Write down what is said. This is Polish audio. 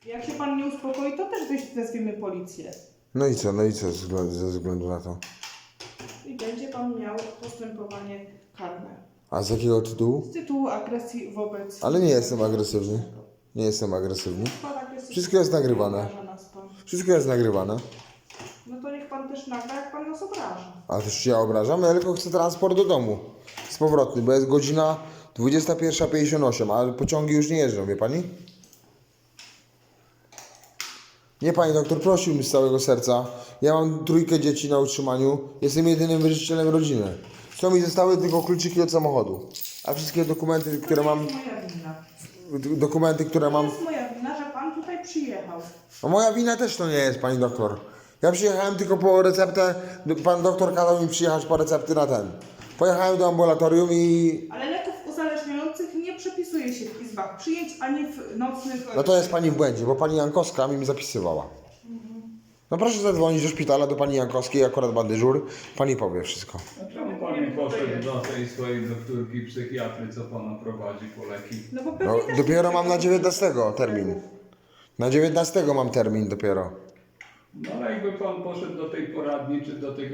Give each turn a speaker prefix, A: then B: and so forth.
A: Jak się pan nie uspokoi, to też wezwiemy policję.
B: No i co ze względu na to?
A: I będzie pan miał postępowanie karne.
B: A z jakiego tytułu?
A: Z tytułu agresji wobec...
B: Ale nie jestem agresywny. Nie jestem agresywny. Wszystko jest nagrywane.
A: Obraża nas pan.
B: Wszystko jest nagrywane.
A: No to niech pan też nagra, jak pan nas obraża.
B: A też się ja obrażam? Ja tylko chcę transport do domu. Z powrotny, bo jest godzina 21:58, ale pociągi już nie jeżdżą, wie pani? Nie, pani doktor, prosił mi z całego serca. Ja mam 3 dzieci na utrzymaniu. Jestem jedynym wyżycielem rodziny. Co mi zostały tylko kluczyki od samochodu. A wszystkie dokumenty, które mam...
A: To jest moja wina.
B: Dokumenty, które
A: To
B: mam...
A: jest moja wina, że pan tutaj przyjechał.
B: No moja wina też to nie jest, pani doktor. Ja przyjechałem tylko po receptę. Pan doktor kazał mi przyjechać po recepty na ten. Pojechałem do ambulatorium i...
A: Ale leków uzależniających nie przepisuje się w izbach przyjęć, ani w nocnych...
B: No to jest pani w błędzie, bo pani Jankowska mi zapisywała. No proszę zadzwonić do szpitala, do pani Jankowskiej, akurat ma dyżur. Pani powie wszystko.
C: A czemu pan nie poszedł do tej swojej doktorki psychiatry, co pana prowadzi po leki?
A: No bo pewnie
B: No
A: też
B: dopiero
A: nie
B: mam na
A: przepisuje
B: 19 termin. Na 19 mam termin dopiero.
C: No ale jakby pan poszedł do tej poradni, czy do tego